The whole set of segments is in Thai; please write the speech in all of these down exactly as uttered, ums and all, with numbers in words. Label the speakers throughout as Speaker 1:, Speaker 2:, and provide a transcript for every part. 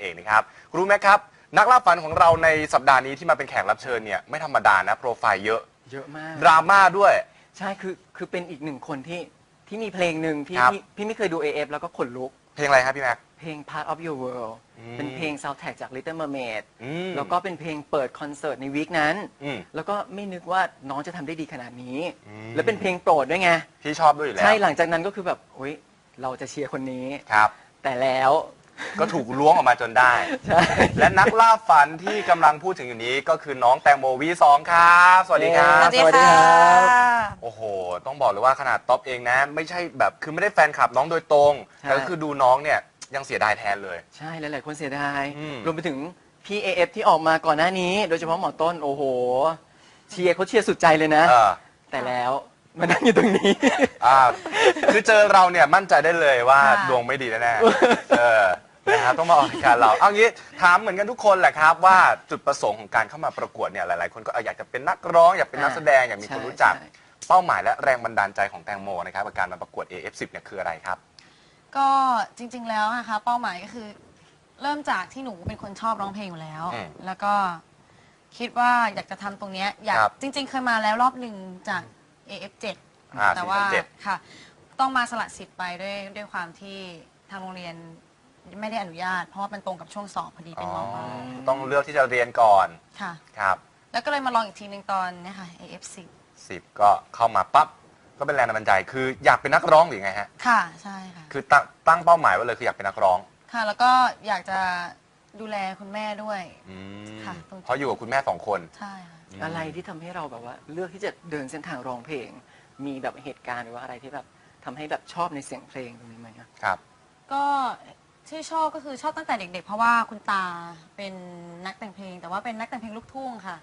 Speaker 1: เองนะครับรู้ไหมครับนักล่าฝันของเราในสัปดาห์นี้ที่มาเป็นแขกรับเชิญเนี่ยไม่ธรรมดานะโปรไฟล์เยอะ
Speaker 2: เยอะมาก
Speaker 1: ดราม่าด้วย
Speaker 2: ใช่คือคือเป็นอีกหนึ่งคนที่ที่มีเพลงหนึ่งที่พี่พี่ไม่เคยดู เอ เอฟ แล้วก็ขนลุก
Speaker 1: เพลงอะไรครับพี่แม็ก
Speaker 2: เพลง Part of Your World เป็นเพลงซาวด์แทร็กจาก Little Mermaid แล้วก็เป็นเพลงเปิดคอนเสิร์ตในวีคนั้นแล้วก็ไม่นึกว่าน้องจะทำได้ดีขนาดนี้แล้วเป็นเพลงโปรดด้วยไง
Speaker 1: พี่ชอบด้วยอยู่แล้ว
Speaker 2: ใช่หลังจากนั้นก็คือแบบโอ๊ยเราจะเชียร์คนนี้
Speaker 1: ครับ
Speaker 2: แต่แล้ว
Speaker 1: ก็ถูกล้วงออกมาจนได้และนักล่าฝันที่กำลังพูดถึงอยู่นี้ก็คือน้องแตงโม วี สอง ครับสวัสดีครับ
Speaker 3: สวัสดีครับ
Speaker 1: โอ้โหต้องบอกเลยว่าขนาดท็อปเองนะไม่ใช่แบบคือไม่ได้แฟนคลับน้องโดยตรงแต่ก็คือดูน้องเนี่ยยังเสียดายแทนเลย
Speaker 2: ใช่หลายๆคนเสียดายรวมไปถึงพี่ เอ เอฟ ที่ออกมาก่อนหน้านี้โดยเฉพาะหมอต้นโอ้โหเชียร์เขาเชียร์สุดใจเลยนะแต่แล้วมานั่งอยู่ตรงนี้
Speaker 1: คือเจอเราเนี่ยมั่นใจได้เลยว่าดวงไม่ดีแน่ๆเออนะครับต้องมาออกรายการเราเอางี้ถามเหมือนกันทุกคนแหละครับว่าจุดประสงค์ของการเข้ามาประกวดเนี่ยหลายๆคนก็อยากจะเป็นนักร้องอยากเป็นนักแสดงอยากมีคนรู้จักเป้าหมายและแรงบันดาลใจของแตงโมนะครับกับการมาประกวด เอ เอฟ สิบ เนี่ยคืออะไรครับ
Speaker 3: ก็จริงๆแล้วนะคะเป้าหมายก็คือเริ่มจากที่หนูเป็นคนชอบร้องเพลงอยู่แล้วแล้วก็คิดว่าอยากจะทำตรงนี้อยากจริงๆเคยมาแล้วรอบหนึ่งจาก เอ เอฟ เจ็ด แต่ว่าค่ะต้องมาสละสิทธิ์ไปด้วยด้วยความที่ทางโรงเรียนไม่ได้อนุญาตเพราะว่ามันตรงกับช่วงสอบพอดีเป็นม.ปลาย
Speaker 1: ต้องเลือกที่จะเรียนก่อน
Speaker 3: ค่ะ
Speaker 1: ครับ
Speaker 3: แล้วก็เลยมาลองอีกทีหนึ่งตอนนี้ค่ะ เอ เอฟ สิบ
Speaker 1: สิบก็เข้ามาปั๊บก็เป็นแรงบันดาลใจคืออยากเป็นนักร้องหรือไงฮะ
Speaker 3: ค่ะใช่ค่ะ
Speaker 1: คือตั้งตั้งเป้าหมายไว้เลยคืออยากเป็นนักร้อง
Speaker 3: ค่ะแล้วก็อยากจะดูแลคุณแม่ด้วย
Speaker 1: ค่ะเพราะอยู่กับคุณแม่สองคน
Speaker 3: ใช่ค่ะ
Speaker 2: อะไรที่ทำให้เราแบบว่าเลือกที่จะเดินเส้นทางร้องเพลงมีแบบเหตุการณ์หรือว่าอะไรที่แบบทำให้แบบชอบในเสียงเพลงตรงนี้ไหม
Speaker 1: ครับ
Speaker 3: ก็ที่ชอบก็คือชอบตั้งแต่เด็กๆเพราะว่าคุณตาเป็นนักแต่งเพลงแต่ว่าเป็นนักแต่งเพลงลูกทุ่งค่ะ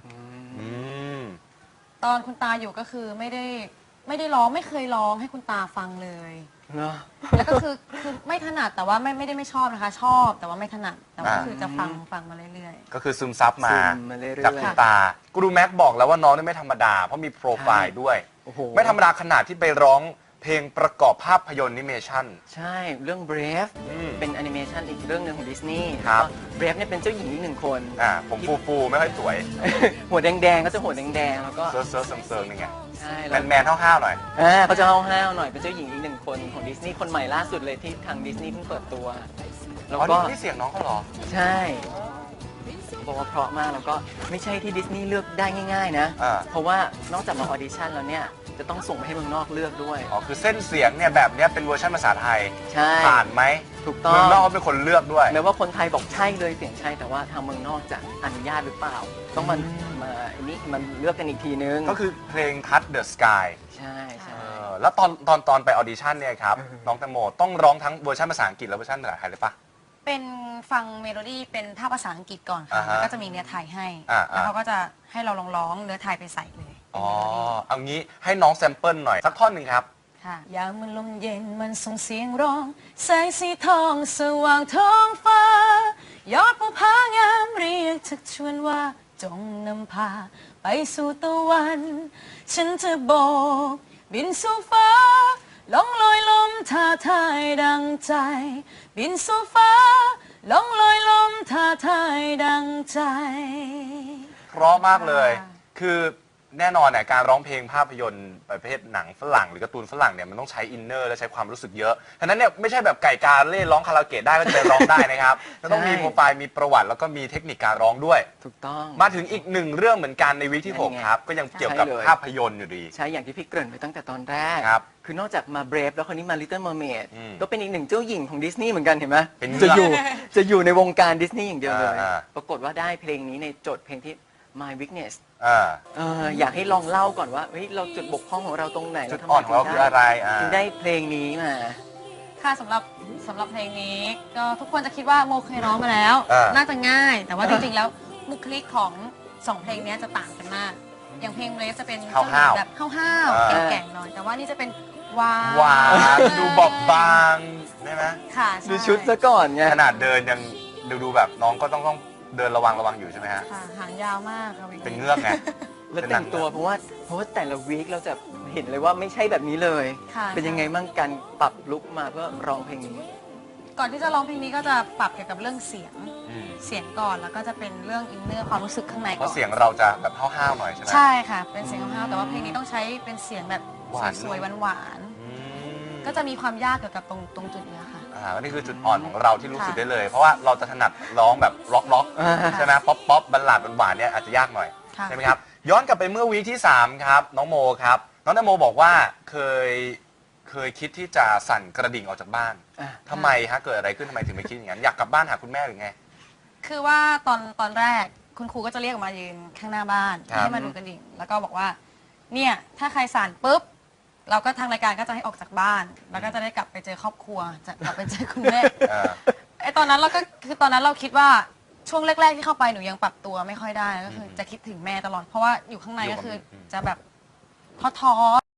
Speaker 3: ตอนคุณตาอยู่ก็คือไม่ได้ไม่ได้ร้องไม่เคยร้องให้คุณตาฟังเลยแล้วก็คือคือไม่ถนัดแต่ว่าไม่ไม่ได้ไม่ชอบนะคะชอบแต่ว่าไม่ถนัดแต่ว่าคือจะฟังฟังมาเรื่อย
Speaker 1: ๆก็คือซึมซับมาจากคุณตากูรูแม็กบอกแล้วว่าน้องนี่ไม่ธรรมดาเพราะมีโปรไฟล์ด้วยไม่ธรรมดาขนาดที่ไปร้องเพลงประกอบภาพยนตร์แอนิเมชัน
Speaker 2: ใช่เรื่อง Brave เป็นแอนิเมชันอีกเรื่องหนึ่งของดิสนีย์ครับ Brave เนี่ยเป็นเจ้าหญิงอีกหนึ่งคน
Speaker 1: อ่าผมฟูฟูไม่ค่อยสวย
Speaker 2: หัวแดงๆก็จะหัวแดงๆแล้วก็
Speaker 1: เซิร์ฟเซิร์ฟเซิร์ฟนี่ไง
Speaker 2: ใช่
Speaker 1: แมนแมนห้าวๆหน่อย
Speaker 2: อ่าเขาจะห้าวๆหน่อยเป็นเจ้าหญิงอีกหนึ่งคนของดิสนีย์คนใหม่ล่าสุดเลยที่ทางดิสนีย์เพิ่งเปิดตัว
Speaker 1: แล้วก็นี่เสียงน้องเขาเหรอ
Speaker 2: ใช่บอกว่าเพราะมากแล้วก็ไม่ใช่ที่ดิสนีย์เลือกได้ง่ายๆนะเพราะว่านอกจากมาออดิชั่นแล้วเนี่ยจะต้องส่งไปให้เมืองนอกเลือกด้วย
Speaker 1: อ๋อคือเส้นเสียงเนี่ยแบบนี้เป็นเวอร์ชันภาษาไทย
Speaker 2: ใช่
Speaker 1: ผ่านไหม
Speaker 2: ถูกต้อง
Speaker 1: เมืองนอกเขาเป็นคนเลือกด้วย
Speaker 2: แม้ว่าคนไทยบอกใช่เลยเสียงใช่แต่ว่าทางเมืองนอกจะอนุญาตหรือเปล่าต้องมันมาอันนี้มันเลือกกันอีกทีนึง
Speaker 1: ก็คือเพลง Touch the Sky
Speaker 2: ใช่ใช่
Speaker 1: แล้วตอนตอนตอนไปออดิชั่นเนี่ยครับน้องแตงโมต้องร้องทั้งเวอร์ชันภาษาอังกฤษและเวอร์ชันภาษาไทยเลยปะ
Speaker 3: เป็นฟังเมโลดี้เป็นท่าภาษาอังกฤษก่อนค่ะแล้วก็จะมีเนื้อไทยให้แล้วเขาก็จะให้เราลองร้องเนื้อไทยไปใส่เลย
Speaker 1: อ๋อเอางี้ให้น้องแซมเปิลหน่อยสักท่อนหนึ่งครับ
Speaker 3: ค่ะยามมันลมเย็นมันส่งเสียงร้องแสงสีทองสว่างท้องฟ้ายอดภูผางามเรียกชักชวนว่าจงนำพาไปสู่ตะวันฉันจะโบกบินสู่ฟ้าล่องลอยลมท่าทายดังใจบินสู่ฟ้าล่องลอยลมท่าทายดังใจ
Speaker 1: เพราะมากเลยคือแน่นอนเนี่ยการร้องเพลงภาพยนตร์ประเภทหนังฝรั่งหรือการ์ตูนฝรั่งเนี่ยมันต้องใช้อินเนอร์และใช้ความรู้สึกเยอะฉะนั้นเนี่ยไม่ใช่แบบไก่กาเล่ร้องคาราโอเกะได้ก็จะไปร้องได้นะครับต้องมีโปรไฟล์มีประวัติแล้วก็มีเทคนิคการร้องด้วย
Speaker 2: ถูกต้อง
Speaker 1: มาถึงอีกหนึ่งเรื่องเหมือนกันในวีคที่หกครับก็ยังเกี่ยวกับภาพยนตร์อยู่ดี
Speaker 2: ใช่อย่างที่พี่เกริ่นไปตั้งแต่ตอนแรกคือนอกจากมา Brave แล้วคนนี้มา Little Mermaid ก็เป็นอีกหนึ่งเจ้าหญิงของดิสนีย์เหมือนกันเห็นไหมจะอยู่จะอยู่ในวงการดิสนีย์อย่างเดียวเลยปรากฏว่าได้เพลงนี้ในโจทย์เพลงที่ My Weakness อยากให้ลองเล่าก่อนว่าเฮ้ยเราจุดบกพร่องของเราตรงไหน
Speaker 1: จุดอ่อนของเราคืออะไร
Speaker 2: ถึงได้เพลงนี้มา
Speaker 3: ค่ะสำหรับสำหรับเพลงนี้ก็ทุกคนจะคิดว่าโมเคยร้องมาแล้วน่าจะง่ายแต่ว่าจริงๆแล้วบุคลิกของสองเพลงนี้จะต่างกันมากอย่างเพลงเรสจะเป็นแบบห้าวๆแก่งๆหน่อยแต่ว่านี่จะเป็นหวาน
Speaker 1: หวานดูบอบบางใช่ไหม
Speaker 3: ค่ะ
Speaker 2: ดูชุดซะก่อนไง
Speaker 1: ขนาดเดินยังดูดูแบบน้องก็ต้องต้องเดินระวังระวังอยู่ใช่ไหมฮะ
Speaker 3: ค่ะหางยาวมากค่ะ
Speaker 1: เป็นเงือกไง
Speaker 2: แล้วแต่งตัวเพราะว่าเพราะว่าแต่ละวีคเราจะเห็นเลยว่าไม่ใช่แบบนี้เลยเป็นยังไงบ้างการปรับลุคมาเพื่อร้องเพลงนี้
Speaker 3: ก่อนที่จะร้องเพลงนี้ก็จะปรับเกี่ยวกับเรื่องเสียง
Speaker 1: อืม
Speaker 3: เสียงก่อนแล้วก็จะเป็นเรื่องอินเนอร์ความรู้สึกข้างใน
Speaker 1: เพ
Speaker 3: ก่อ
Speaker 1: ราะ
Speaker 3: น
Speaker 1: เสียงเราจะแบบห้าวๆหน่อยใช่ไหม
Speaker 3: ใช่ค่ะ เป็นเสียงห้าวๆแต่ว่าเพลงนี้ต้องใช้เป็นเสียงแบบ
Speaker 1: หวาน
Speaker 3: สวยๆหวาน
Speaker 1: อืม
Speaker 3: ๆก็จะมีความยากเกี่ยวกับตรงตรงจุดเนี้ยค่ะ
Speaker 1: อ่าอันนี้คือจุดอ่อนของเราที่รู้สึก
Speaker 3: ค่ะ
Speaker 1: ได้เลย เพราะว่าเราจะถนัดร้องแบบล็อกล็อกๆ
Speaker 2: อ่า
Speaker 1: ใช่ไหมป๊อปป๊อปบัลลาดหวานๆเนี่ยอาจจะยากหน่อย
Speaker 3: ค่ะ
Speaker 1: ใช่ไหมครับย้อนกลับไปเมื่อวีคที่สามครับน้องโมครับน้องนโมบอกว่าเคยเคยคิดที่จะสั่นกระดิ่งออกจากบ้าน
Speaker 2: อ่ะ
Speaker 1: ทำไมฮะเกิดอะไรขึ้นทำไมถึงไม่คิดอย่างนั้นอยากกลับบ้านหาคุณแม่หรือไง
Speaker 3: คือว่าตอนตอนแรกคุณครูก็จะเรียกออกมายืนข้างหน้าบ้าน
Speaker 1: ครับ
Speaker 3: ให้มาดูกระดิ่ง แล้วก็บอกว่า เนี่ยถ้าใครสั่นปุ๊บ เราก็ทางรายการก็จะให้ออกจากบ้าน แล้วก็จะได้กลับไปเจอครอบครัว จะกลับไปเจอคุณแม่
Speaker 1: เออ
Speaker 3: ไอตอนนั้นเราก็คือตอนนั้นเราคิดว่าช่วงแรก ๆ ที่เข้าไปหนูยังปรับตัวไม่ค่อยได้ก็คือจะคิดถึงแม่ตลอดเพราะว่าอยู่ข้างในก็คือจะแบบท้อ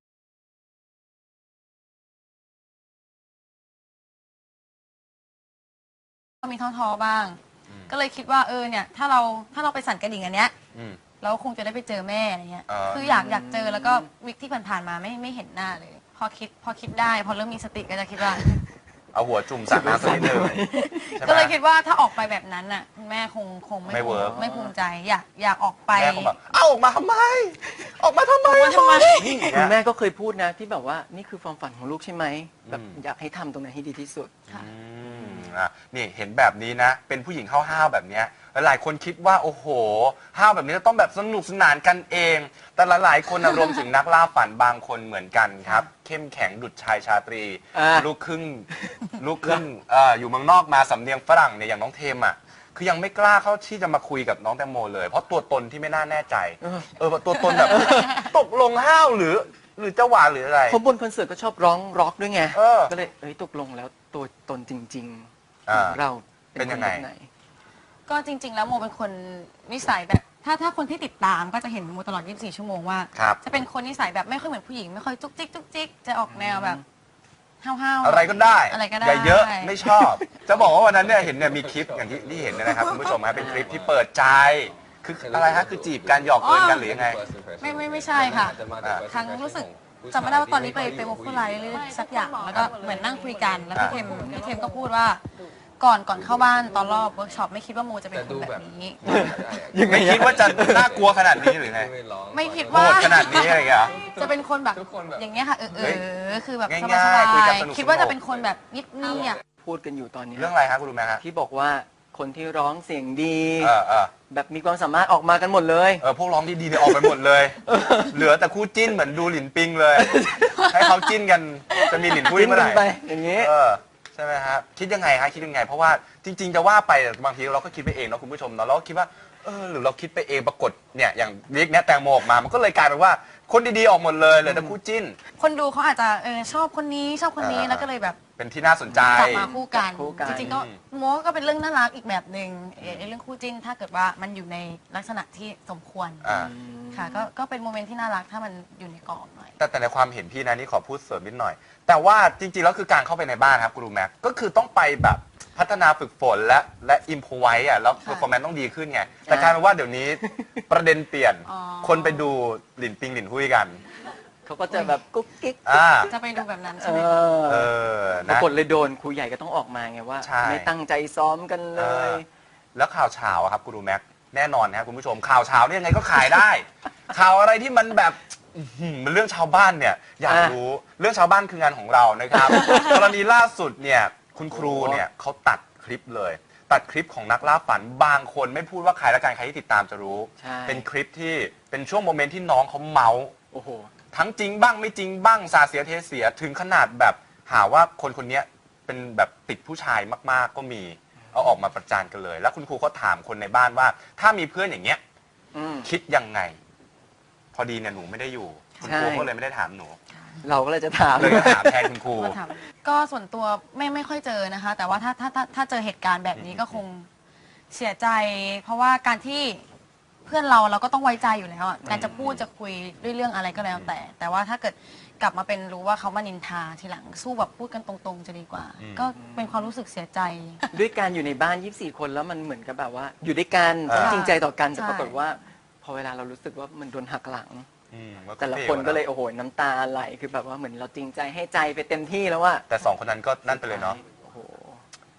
Speaker 3: ๆมีท้อๆบ้าง ก็เลยคิดว่าเออเนี่ยถ้าเราถ้าเราไปสั่นกระดิ่งอันเนี้ย
Speaker 1: อืม
Speaker 3: เราคงจะได้ไปเจอแม่อะไรเงี้ย
Speaker 1: อ่า
Speaker 3: คืออยากอยากเจอแล้วก็วิกที่ผ่านๆมาไม่ไม่เห็นหน้าเลย พอคิดพอคิดได้ พอเริ่มมีสติก็จะคิดว่า
Speaker 1: เอาหัวจุ่มสระน้ำสักนิดนึงใช่ไหม
Speaker 3: ก็เลยคิดว่าถ้าออกไปแบบนั้นน่ะคุณแม่คงคงไม่
Speaker 1: ไม่
Speaker 3: ภูมิ
Speaker 1: เวิร์ก
Speaker 3: ไม่ภูมิใจอยากอยากออกไป
Speaker 1: แม่เขาแบบเอ้าออกมาทำไม ออกมาทำไม
Speaker 3: ออกมาทำไม
Speaker 1: นี่
Speaker 2: คุณ
Speaker 1: แม่
Speaker 2: แม่ก็เคยพูดนะที่แบบว่านี่คือความฝันของลูกใช่ไหมแบบ
Speaker 1: อืม
Speaker 2: อยากให้ทำตรงนั้นให้ดีที่สุด
Speaker 3: ค่ะ
Speaker 1: อืมอ่ะนี่เห็นแบบนี้นะ เป็นผู้หญิงห้าวๆแบบเนี้ยหลายๆคนคิดว่าโอ้โหห้าวแบบนี้จะต้องแบบสนุกสนานกันเอง แต่หลายๆคนนะรวมถึงนักล่าฝันบางคนเหมือนกันครับ เข้มแข็งดุจชายชาตรี
Speaker 2: อ่า
Speaker 1: ลูกครึ่งลูกครึ่งเอ่ออยู่เมืองนอกมาสำเนียงฝรั่งเนี่ยอย่างน้องเทมอ่ะคือยังไม่กล้าเข้าที่จะมาคุยกับน้องแตงโมเลย เพราะตัวตนที่ไม่น่าแน่ใจ
Speaker 2: เออ
Speaker 1: เออตัวตนแบบ ตกลงห้าวหรือ หรือจะหวานหรืออะไร
Speaker 2: เพราะบนคอนเสิร์ตก็ชอบร้องร็อกด้วยไง
Speaker 1: เออ
Speaker 2: ก็เลยเอ้ยตกลงแล้วตัวตนจริงๆ
Speaker 1: อ่า
Speaker 2: ของเรา
Speaker 1: เป็นยังไง
Speaker 2: คแบบหน
Speaker 3: ก็จริง ๆ แล้วโมเป็นคนนิสัยแบบถ้าถ้าคนที่ติดตามก็จะเห็นโมตลอด ยี่สิบสี่ ชั่วโมงว่า
Speaker 1: ครับ
Speaker 3: จะเป็นคนนิสัยแบบไม่ค่อยเหมือนผู้หญิงไม่ค่อยจุกจิกจุกจิกจะออกแนวแบบห้าวๆ
Speaker 1: อะไรก็ได้
Speaker 3: อะไรก็ได้
Speaker 1: อย่าเยอะไม่ชอบ จะบอกว่าวันนั้นเนี่ยเห็นเนี่ยมีคลิปอย่างที่ที่เห็นเนยนะครับคุณผู้ชมฮะเป็นคลิปที่เปิดใจคืออะไรฮะคือจีบกันหยอกเอินกันหรือยังไง
Speaker 3: ไม่ไม่ไม่ใช่ค่ะ ครั้งรู้สึกจำไม่ได้ว่าตอนนี้ไปไปวอลคุไลหรือสักอย่างแล้วก็เหมือนนั่งคุยกันแล้วพี่เทมพี่เทมก็พูดว่าก่อนก่อนเข้าบ้านตอนรอบเวิร์กช็อปไม่คิดว่าโมจะเป็นคนแบบนี้
Speaker 2: ยังไง
Speaker 1: ไม่คิดว่าจะน่ากลัวขนาดนี้หรือไง
Speaker 3: ไม่คิด
Speaker 1: โห
Speaker 3: ว่า
Speaker 1: ดขนาดนี้อะไรอย่างเงี้ย
Speaker 3: จะเป็นคนแบบ
Speaker 4: ทุกคนแบบ
Speaker 3: อย่างเงี้ยค่ะเออเอ
Speaker 1: เฮ้ย
Speaker 3: อคือแบบ
Speaker 1: ง่าย
Speaker 3: ส
Speaker 1: ๆ
Speaker 3: บาย
Speaker 1: คุยกันสนุกๆ
Speaker 3: ๆคิดว่าจะเป็นคนแบบเงียบเงียบ
Speaker 2: พูดกันอยู่ตอนเนี้ย
Speaker 1: เรื่องอะไรฮะคุณรู้ไหมฮะ
Speaker 2: ที่บอกว่าคนที่ร้องเสียงดี
Speaker 1: เออเออ
Speaker 2: แบบมีความสามารถออกมากันหมดเลย
Speaker 1: เออพวกร้องดีๆเนี่ยออกไปหมดเลย เหลือแต่คู่จิ้นเหมือนดูหลินปิงเลย ให้เขาจิ้นกันจะมีหลินพุ้ย
Speaker 2: จิ้น
Speaker 1: เมื่อไห
Speaker 2: กั
Speaker 1: ร่
Speaker 2: นไปอย่างนี้
Speaker 1: เออใช่ไหมฮะคิดยังไงฮะคิดยังไง เพราะว่าจริง ๆ จะว่าไปบางทีเราก็คิดไปเองเนาะคุณผู้ชมเนาะเราก็คิดว่าเออหรือเราคิดไปเองปรากฏเนี่ยอย่างวิกเนี้ยแตงโมออกมา มันก็เลยกลายเป็นว่าคนดีๆออกหมดเลยเหลยแต่คู่จิ้น
Speaker 3: ๆคนดูเขาอาจจะเออชอบคนนี้ชอบคนนี้
Speaker 1: อ่า
Speaker 3: แล้วก็เลยแบบ
Speaker 1: เป็นที่น่าสนใจ
Speaker 3: กลับมาคู่กัน
Speaker 2: คู่กัน
Speaker 3: จริงๆก็โมก็เป็นเรื่องน่ารักอีกแบบหนึ่งเอ่อไอ้เรื่องคู่จิ้นถ้าเกิดว่ามันอยู่ในลักษณะที่สมควร
Speaker 1: อ่า
Speaker 3: ค่ะก็ก็เป็นโมเมนต์ที่น่ารักถ้ามันอยู่ในกรอบหน่อย
Speaker 1: แต่แต่ในความเห็นพี่นะนี่ขอพูดเสริมนิดหน่อย แต่ว่าจริงๆแล้วคือการเข้าไปในบ้านครับกูรูแม็กก็คือต้องไปแบบพัฒนาฝึกฝนและและอิมพอไว้อะแล้ว
Speaker 3: ค่ะ
Speaker 1: เพอร์ฟอร์แมนซ์ต้องดีขึ้นไง แต่กลายเป็นว่าเดี๋ยวนี้ ประเด็นเปลี่ยน
Speaker 3: อ๋อ
Speaker 1: คนไปดูหลินปิงหลินหุ้ยกัน
Speaker 2: เขาก็จะแบบกุ๊กกิ๊ก
Speaker 1: อ่า
Speaker 3: จะไปดูแบบนั้น
Speaker 2: เอ
Speaker 3: ใช่ไหม
Speaker 2: อ
Speaker 1: เออ
Speaker 2: ปรา
Speaker 1: นะ
Speaker 2: กฏเลยโดนครูใหญ่ก็ต้องออกมาไงว่า
Speaker 1: ใช่
Speaker 2: ไม่ตั้งใจซ้อมกันเล
Speaker 1: เอย อแล้วข่าวเช้าอะครับกูรูแม็กแน่นอนนะครับคุณผู้ชมข่าวเช้าเนี่ยยังไงก็ขายได้ ข่าวอะไรที่มันแบบอื้อหือมันเรื่องชาวบ้านเนี่ยอยาก
Speaker 2: อ่ะ
Speaker 1: รู้เรื่องชาวบ้านคืองานของเรานะครับ กรณีล่าสุดเนี่ยคุณครูเนี่ยเขาตัดคลิปเลย ตัดคลิปของนักล่าฝันบางคนไม่พูดว่าใครและกันใครที่ติดตามจะรู้
Speaker 2: ใช่
Speaker 1: เป็นคลิปที่เป็นช่วงโมเมนต์ที่น้องเขาเมาส์
Speaker 2: โอ้โห
Speaker 1: ทั้งจริงบ้างไม่จริงบ้างสาเสียเทเสียถึงขนาดแบบหาว่าคนคนนี้เป็นแบบติดผู้ชายมากๆก็มีเอาออกมาประจานกันเลย แล้วคุณครูก็ถามคนในบ้านว่า ถ้ามีเพื่อนอย่างเงี้ย
Speaker 2: อืม
Speaker 1: คิดยังไง พอดีเนี่ยหนูไม่ได้อยู่คุณครู
Speaker 2: ใช่
Speaker 1: ก็เลยไม่ได้ถามหนู
Speaker 2: เราก็เลยจะถาม
Speaker 1: เลยจะถามแทนคุณครู
Speaker 3: ก็ถามก็ส่วนตัวไม่ไม่ค่อยเจอนะคะ แต่ว่าถ้าถ้าถ้าถ้าเจอเหตุการณ์แบบนี้ก็คงเสียใจ เพราะว่าการที่เพื่อนเราเราก็ต้องไว้ใจอยู่แล้วอะการจะพูดจะคุยด้วยเรื่องอะไรก็แล้วแต่ แต่ว่าถ้าเกิดกลับมาเป็นรู้ว่าเขามานินทาทีหลังสู้แบบพูดกันตรงๆจะดีกว่า
Speaker 1: อืม
Speaker 3: ก็เป็นความรู้สึกเสียใจ
Speaker 2: ด้วยการอยู่ในบ้าน ยี่สิบสี่ คนแล้วมันเหมือนกับแบบว่า อยู่ด้วยกันต้องจริงใจต่อกันแต่
Speaker 3: ใช่
Speaker 2: ปรากฏว่า พอเวลาเรารู้สึกว่ามันโดนหักหลัง
Speaker 1: อืม
Speaker 2: แต่ละคนก็เลยโอ้โหน้ำตาไหลคือแบบว่าเหมือนเราจริงใจให้ใจไปเต็มที่แล้วว่า
Speaker 1: แต่สองคนนั้นก็นั่นไปเลยเนาะ
Speaker 2: โอ้โห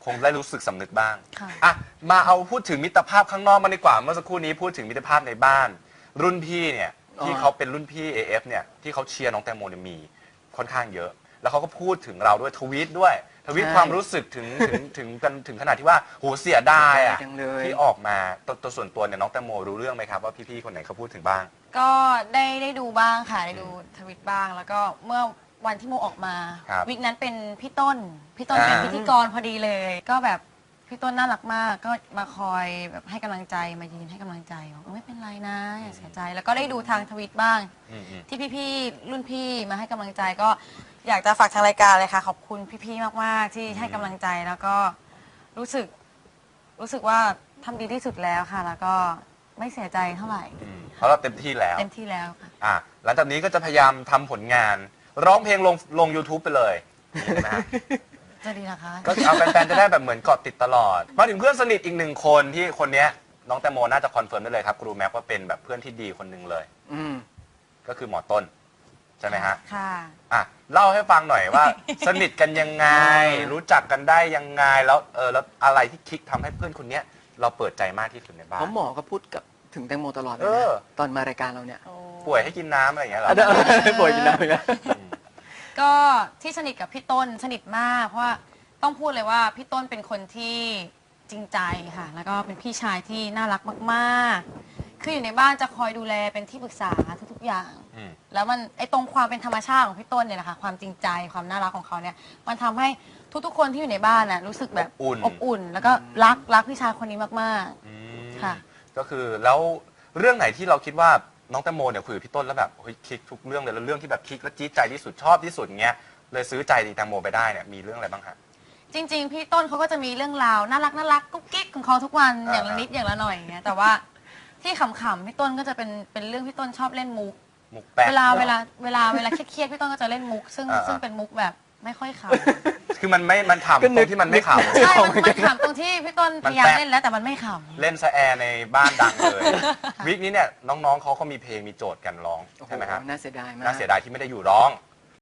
Speaker 1: งได้รู้สึกสำนึกบ้าง
Speaker 3: ค่ะ
Speaker 1: อ่ะมาเอาพูดถึงมิตรภาพข้างนอกมาดีกว่าเมื่อสักครู่นี้พูดถึงมิตรภาพในบ้าน รุ่นพี่เนี่ยที่เขาเป็นรุ่นพี่ เอ เอฟ เนี่ยที่เขาเชียร์น้องแตงโมเนี่ยมีค่อนข้างเยอะ แล้วเขาก็พูดถึงเราด้วยทวีตด้วยทวีต
Speaker 2: ใช่
Speaker 1: ความรู้สึกถึงถึงถึงกันถึงขนาดที่ว่าโหเสียดายอ่ะ
Speaker 2: จังเลย
Speaker 1: ที่ออกมาตัวตัวส่วนตัวเนี่ยน้องแตงโมรู้เรื่องไหมครับว่าพี่ๆคนไหนเขาพูดถึงบ้าง
Speaker 3: ก็ได้ได้ดูบ้างค่ะได้ดูทวิตบ้าง แล้วก็เมื่อวันที่โมออกมา
Speaker 1: ครับ
Speaker 3: วิกนั้นเป็นพี่ต้น พี่ต้นเป็น
Speaker 1: อ่า
Speaker 3: พิธีกรพอดีเลย ก็แบบพี่ต้นน่ารักมาก ก็มาคอยแบบให้กำลังใจมายืนให้กำลังใจบอกว่าไม่เป็นไรนะอย่าเสียใจ แล้วก็ได้ดูทางทวิตบ้าง
Speaker 1: อืมอืม
Speaker 3: ที่พี่ๆรุ่นพี่มาให้กำลังใจก็อยากจะฝากทางรายการเลยค่ะ ขอบคุณพี่ๆมากๆ ที่ให้กำลังใจแล้วก็รู้สึกรู้สึกว่าทำดีที่สุดแล้วค่ะ แล้วก็ไม่เสียใจเท่าไหร่
Speaker 1: อืมเพราะเราเต็มที่แล้ว
Speaker 3: เต็มที่แล้วค่ะ
Speaker 1: อ่ะหลังจากนี้ก็จะพยายามทำผลงาน ร้องเพลงลงลง YouTube ไปเลยนะฮะ
Speaker 3: จะดีนะคะ
Speaker 1: ก็เอาแฟนๆจะได้แบบเหมือนเกาะติดตลอด มาถึงเพื่อนสนิทอีกหนึ่งคนที่คนเนี้ยน้องแตงโมน่าจะคอนเฟิร์มได้เลยครับครูแม็กว่าเป็นแบบเพื่อนที่ดีคนหนึ่งเลย
Speaker 2: อืม
Speaker 1: ก็คือหมอต้น ใช่ไหมฮะ
Speaker 3: ค่ะ
Speaker 1: อ่ะเล่าให้ฟังหน่อยว่า สนิทกันยังไง รู้จักกันได้ยังไงแล้วเออแล้วอะไรที่คลิกทำให้เพื่อนคนเนี้ยเราเปิดใจมากที่สุดในบ้า
Speaker 2: เพ
Speaker 1: น
Speaker 2: ราะหมอก็พูดกับถึงแตงโมตลอดเลย
Speaker 1: เออ
Speaker 2: นะตอนมารายการเราเนี่ย
Speaker 1: ป่วยให้กินน้ำอะไรอย่างเงี้ยเหรอ
Speaker 2: อ่ะเดี๋ยวป่วยกินน้ำอีกแล้ว
Speaker 3: ก็ที่สนิทกับพี่ต้นสนิทมากเพราะว่าต้องพูดเลยว่าพี่ต้นเป็นคนที่จริงใจค่ะ แล้วก็เป็นพี่ชายที่น่ารักมากๆ คืออยู่ในบ้านจะคอยดูแลเป็นที่ปรึกษาทุกๆอย่าง
Speaker 1: อืม
Speaker 3: แล้วมันไอตรงความเป็นธรรมชาติของพี่ต้นเนี่ยแหละค่ะความจริงใจความน่ารักของเขาเนี่ยมันทำให้ทุกๆคนที่อยู่ในบ้านน่ะรู้สึกแบบ
Speaker 1: อบอุ่น
Speaker 3: อบอุ่น แล้วก็รักรักพี่ชายคนนี้มาก
Speaker 1: อืม
Speaker 3: ค่ะ
Speaker 1: ก็คือแล้วเรื่องไหนที่เราคิดว่าน้องแตงโมเนี่ยคุยกับพี่ต้นแล้วแบบเฮ้ยคลิกทุกเรื่องเลยแล้วเรื่องที่แบบคลิกแล้วจี๊ดใจที่สุดชอบที่สุดเงี้ยเลยซื้อใจดีแตงโมไปได้เนี่ยมีเรื่องอะไรบ้างฮะ
Speaker 3: ๆ จริง ๆ พี่ต้นเขาก็จะมีเรื่องราวน่ารักน่ารักกุ๊กกิ๊กของเขาทุกวัน
Speaker 1: อ่า
Speaker 3: อย่างละนิดอย่างละหน่อยอย่างเงี้ยแต่ว่าที่ขำๆพี่ต้นก็จะเป็นเป็นเรื่องพี่ต้นชอบเล่นมุก
Speaker 1: มุกแป๊ก
Speaker 3: เวลาเวลาเวลาเวลาเครียดๆพี่ต้นก็จะเล่นมุก ซึ่ง
Speaker 1: อ่าๆ
Speaker 3: ซึ่งเป็นมุกแบบไม่ค่อยข
Speaker 1: คือมันไม่มันขำ
Speaker 2: ก็
Speaker 1: ต
Speaker 2: นึ
Speaker 1: ร
Speaker 2: ก
Speaker 1: งที่มันไม่ข
Speaker 3: ำใช่มันมันขำตรงที่พี่ต้นพยายาม
Speaker 1: มันแป๊ก
Speaker 3: เล่นแล้วแต่มันไม่ข
Speaker 1: ำเล่นสแอร์ในบ้านดังเลยวิกนี้เนี่ยน้องๆเขาก็มีเพลงมีโจทย์กันร้องใช่ไหมฮะ
Speaker 2: โอ้โน่าเสียดายมาก
Speaker 1: น่าเสียดายที่ไม่ได้อยู่ร้อง